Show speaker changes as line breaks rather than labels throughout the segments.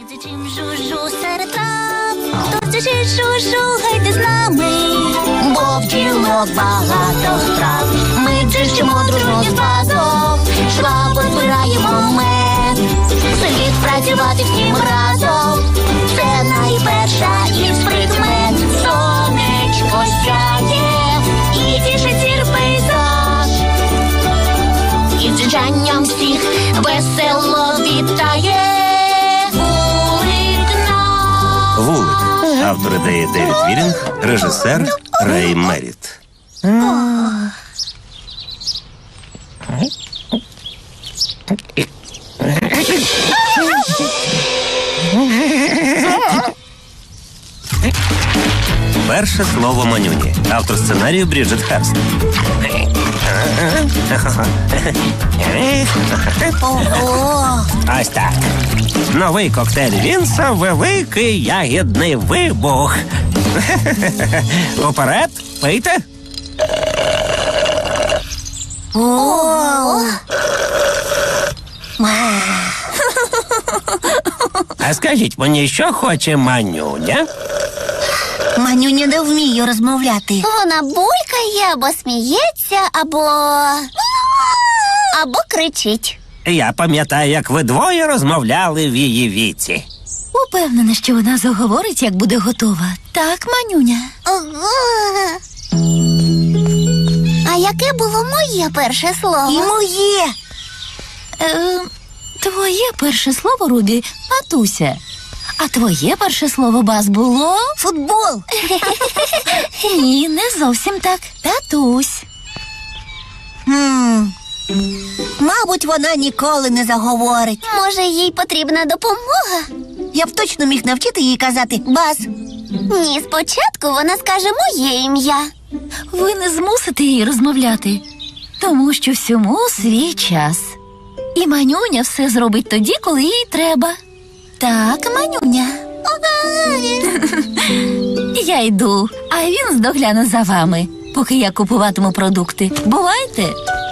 Дзичим жужу серед трав, хто дзичить жужу, гайте з нами, бо в ділок багато страв. Ми дзичимо дружно з базом, швабо збираємо мед. Слід працювати всім разом, це найперша із прикмет. Сонечко сяє і тішить зір пейзаж, і дзижанням всіх весело вітає.
«Вулик». Автор ідеї Девід Вірінг, режисер Рей Меріт. Перше слово Манюні. Автор сценарію Бріджит Херст. Ось так. Новий коктейль Вінса – великий ягідний вибух. Уперед, пийте. А скажіть мені, що хоче Манюня?
Манюня не вміє розмовляти. Вона булькає або сміється, або кричить.
Я пам'ятаю, як ви двоє розмовляли в її віці.
Упевнена, що вона заговорить, як буде готова. Так, Манюня?
А яке було моє перше слово?
І моє. Твоє перше слово, Рубі, матуся. А твоє перше слово, Баз, було?
Футбол.
Ні, не зовсім так. Татусь.
Мабуть, вона ніколи не заговорить. Може, їй потрібна допомога? Я б точно міг навчити їй казати «Баз». Ні, спочатку вона скаже моє ім'я.
Ви не змусите її розмовляти, тому що всьому свій час. І Манюня все зробить тоді, коли їй треба. Так, Манюня. Я йду, а він здогляне за вами, поки я купуватиму продукти. Бувайте.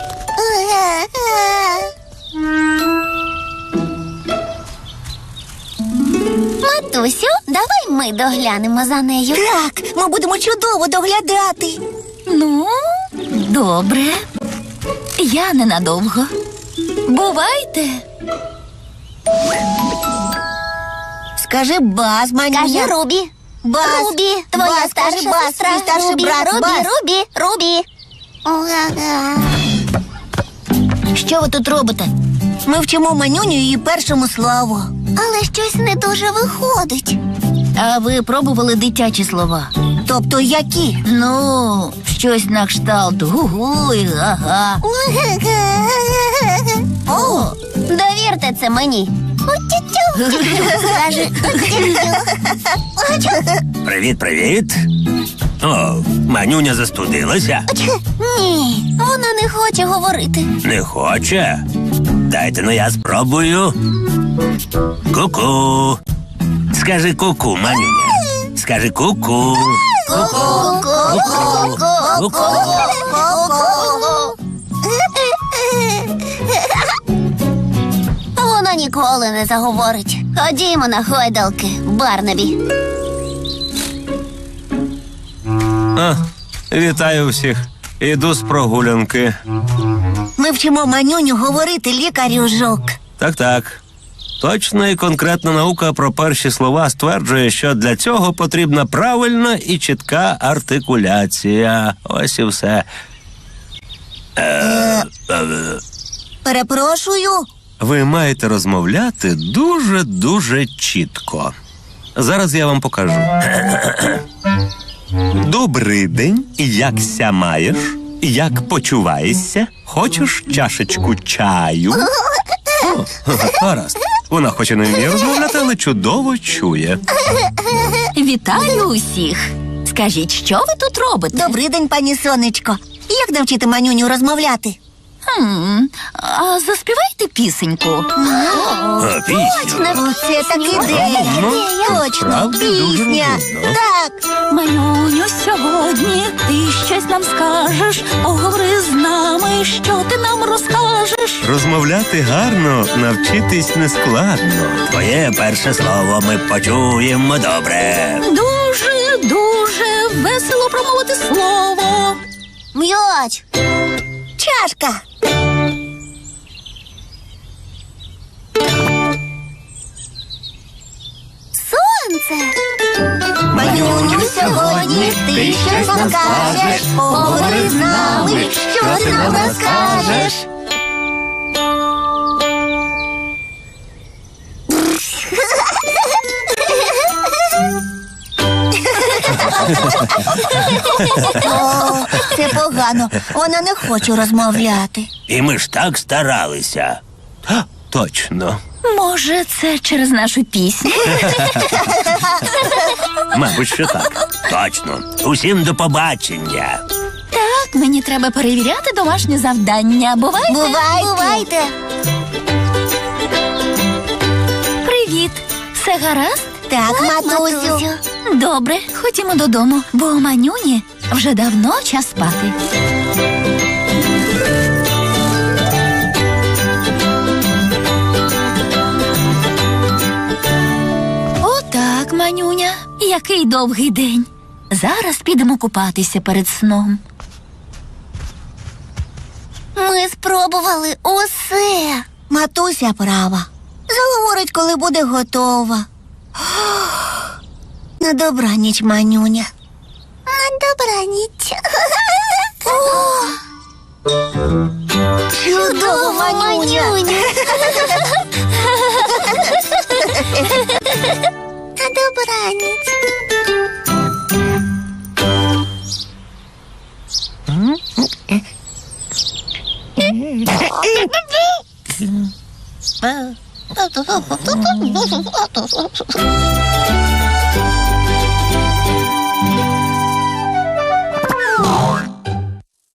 Матусю, давай ми доглянемо за нею. Так, ми будемо чудово доглядати.
Ну, добре. Я ненадовго. Бувайте.
Скажи Баз, Манюня. Скажи Рубі. Баз. Рубі, твоя
Баз,
старша
Баз,
сестра.
твій старший
Рубі,
брат,
Рубі,
Баз.
Рубі. Що ви тут робите? Ми вчимо Манюню її першому слову. Але щось не дуже виходить.
А ви пробували дитячі слова?
Тобто які?
Ну, щось на кшталт гу-гу і га-га.
О, довірте це мені. Скажи.
Привіт. О, Манюня застудилася?
Ні, вона не хоче говорити.
Не хоче? Дайте, ну я спробую. Ку-ку. Скажи ку-ку, Манюня. Скажи ку-ку. Ку-ку.
Вона ніколи не заговорить. Ходімо на гойдалки, Барнабі.
Вітаю всіх. Іду з прогулянки.
Ми вчимо Манюню говорити, лікарю Жук.
Так. Точна і конкретна наука про перші слова стверджує, що для цього потрібна правильна і чітка артикуляція. Ось і все.
Перепрошую.
Ви маєте розмовляти дуже чітко. Зараз я вам покажу. Добрий день, якся маєш? Як почуваєшся? Хочеш чашечку чаю? О, гаразд. Вона хоч і не вміє розмовляти, але чудово чує.
Вітаю усіх. Скажіть, що ви тут робите?
Добрий день, пані Сонечко. Як навчити Манюню розмовляти?
А заспівайте пісеньку.
Пісню.
Оце так ідея. Точно,
Правда, дуже
пісня.
розумно.
Так.
Манюню, сьогодні ти щось нам скажеш. Поговори з нами, що ти нам розкажеш.
Розмовляти гарно, навчитись нескладно. Твоє перше слово ми почуємо добре.
Дуже, дуже весело промовити слово.
М'яч. Чашка. Сонце. Манюню, сьогодні ти щось нам скажеш. Поговори з нами, що ти нам розкажеш. О, це погано. Вона не хоче розмовляти.
І ми ж так старалися. Точно.
Може, це через нашу пісню?
Мабуть, що так. Точно. Усім до побачення.
Так, мені треба перевіряти домашнє завдання. Бувайте?
Бувайте.
Привіт. Все гаразд?
Так, матусю.
Добре, ходімо додому, бо у Манюні вже давно час спати. Отак, Манюня, який довгий день. Зараз підемо купатися перед сном.
Ми спробували усе. Матуся права. Заговорить, коли буде готова. На добраніч, Манюня. На добраніч. Чудово, Манюня. На добраніч.